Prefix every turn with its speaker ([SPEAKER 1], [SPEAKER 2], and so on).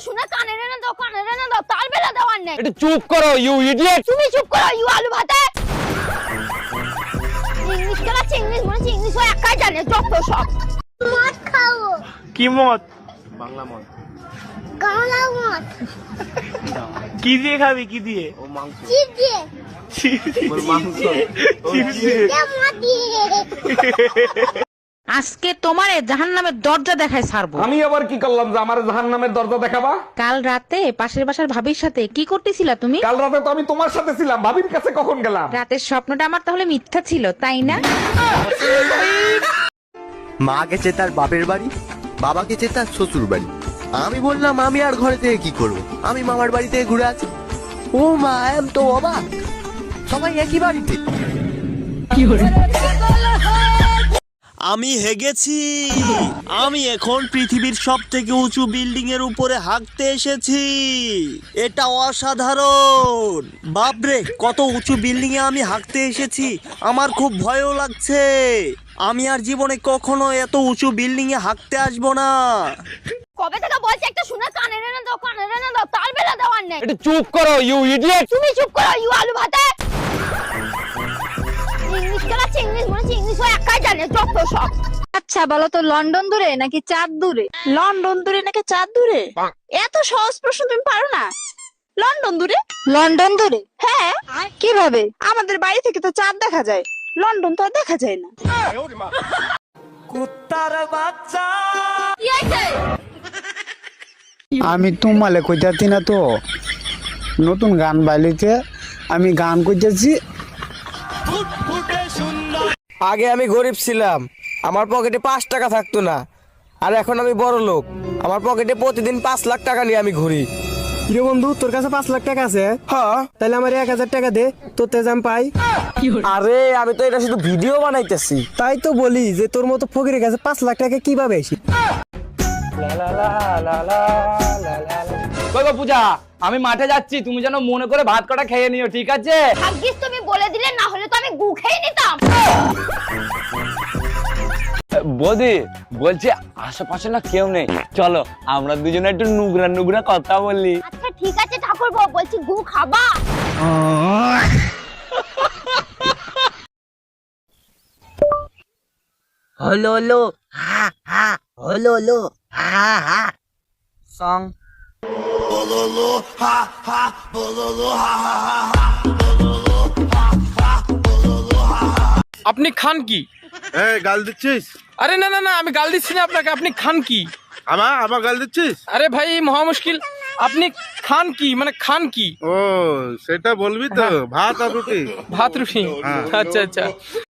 [SPEAKER 1] শুনে কানে রেনে দাও, কানে রেনে দাও, তার বেলা দেওয়ার নেই।
[SPEAKER 2] একটু চুপ করো ইউ ইডিয়েট।
[SPEAKER 1] তুমি চুপ করো ইউ আলু ভাতে। ইংলিশ খেলাচ্ছে, ইংলিশ মনে হচ্ছে ইংলিশ হয় একাই জানে যত সব। মদ খাও।
[SPEAKER 3] কি মদ? বাংলা মদ।
[SPEAKER 1] গাওলা মদ।
[SPEAKER 3] কি দিয়ে খাবি? কি দিয়ে?
[SPEAKER 4] ও মাংস।
[SPEAKER 1] চিপ দিয়ে।
[SPEAKER 4] ওর মাংস।
[SPEAKER 3] চিপস দিয়ে।
[SPEAKER 1] মদ দিয়ে।
[SPEAKER 5] আজকে তোমারে জাহান্নামের দরজা দেখায় ছাড়বো।
[SPEAKER 2] আমি আবার কি করলাম যে আমার জাহান্নামের দরজা দেখাবা?
[SPEAKER 5] কাল রাতে পাশের বাসার ভাবির সাথে কি করতেছিলা তুমি?
[SPEAKER 2] কাল রাতে তো আমি তোমার সাথে ছিলাম, ভাবির কাছে কখন গেলাম?
[SPEAKER 5] রাতের স্বপ্নটা আমার তাহলে মিথ্যা ছিল, তাই না?
[SPEAKER 6] মা গেছে তার বাপের বাড়ি, বাবা গেছে তার শ্বশুর বাড়ি। আমি বললাম আমি আর ঘরে থেকে কি করব, আমি মামার বাড়ি থেকে ঘুরে আছি। ও মা, এম তো অবাক, সবাই একই বাড়িতে।
[SPEAKER 7] আমি হেগেছি, আমি এখন পৃথিবীর সব থেকে উঁচু বিল্ডিং এর উপরে হাঁটতে এসেছি। এটা অসাধারণ। বাপরে, কত উঁচু বিল্ডিং এ আমি হাঁটতে এসেছি, আমার খুব ভয়ও লাগছে। আমি আর জীবনে কখনো এত উঁচু বিল্ডিং এ হাঁটতে আসবো না।
[SPEAKER 1] কবে থেকে বলছি একটা শুনে কানে রেনে দাও, কানে রেনে দাও, তার বেলা দেওয়ার নেই।
[SPEAKER 2] একটু চুপ করো ইউ ইডিয়েট।
[SPEAKER 1] তুমি চুপ করো ইউ আলু ভাতে। ইংলিশ খেলাচ্ছে, ইংলিশ মনে হচ্ছে ইংলিশ হয় একাই জানে যত সব।
[SPEAKER 8] আচ্ছা বলো তো, লন্ডন দূরে নাকি চাঁদ দূরে?
[SPEAKER 5] লন্ডন দূরে নাকি চাঁদ দূরে? এত সহজ প্রশ্ন তুমি পারো না? লন্ডন দূরে।
[SPEAKER 8] লন্ডন দূরে?
[SPEAKER 5] হ্যাঁ,
[SPEAKER 8] কিভাবে?
[SPEAKER 5] আমাদের বাড়ি থেকে তো চাঁদ দেখা যায়, লন্ডন তো আর দেখা যায় না।
[SPEAKER 1] কি হয়েছে?
[SPEAKER 9] আমি তোমালে কইতাছি না তো, নতুন গান বাইলিতে আমি গান কইতেছি।
[SPEAKER 4] আগে আমি গরিব ছিলাম, আমার পকেটে 5 টাকা থাকতো না। আর এখন আমি বড় লোক, আমার পকেটে প্রতিদিন 5 লাখ টাকা নিয়ে আমি ঘুরি।
[SPEAKER 9] রে বন্ধু, তোর কাছে 5 লাখ টাকা আছে?
[SPEAKER 4] হ্যাঁ।
[SPEAKER 9] তাহলে আমার 1000 টাকা দে, তোর তেজাম পাই।
[SPEAKER 4] আরে আমি তো এটা শুধু ভিডিও বানাইতেছি।
[SPEAKER 9] তাই তো বলি যে তোর মতো ফকিরের কাছে 5 লাখ টাকা কিভাবে আসি?
[SPEAKER 2] কই গো পূজা, আমি মাঠে যাচ্ছি, তুমি যেন মনে করে ভাত কটা খেয়ে নিও, ঠিক আছে?
[SPEAKER 1] ভাগ্যিস তুমি বলে দিলে, না হলে তো আমি গু খেয়ে নিতাম।
[SPEAKER 2] বৌদি বলছি আশেপাশে না কেউ নেই, চলো আমরা দুজনে একটু নুগরা নুগরা কথা বলি।
[SPEAKER 1] আচ্ছা ঠিক আছে ঠাকুরপো, বলছি গু খাবা?
[SPEAKER 6] হলো হলো হা হা, হলো হলো হা হা সং।
[SPEAKER 3] আপনি খান কি?
[SPEAKER 10] এই গাল দিচ্ছিস?
[SPEAKER 3] আরে না না না, আমি গাল দিচ্ছি না আপনাকে। আপনি খান কি?
[SPEAKER 10] আমার গাল দিচ্ছিস?
[SPEAKER 3] আরে ভাই, মহা মুশকিল। আপনি খান কি, মানে খান কি?
[SPEAKER 10] ও সেটা বলবি তো, ভাত আর রুটি।
[SPEAKER 3] ভাত রুটি?
[SPEAKER 10] হ্যাঁ।
[SPEAKER 3] আচ্ছা আচ্ছা।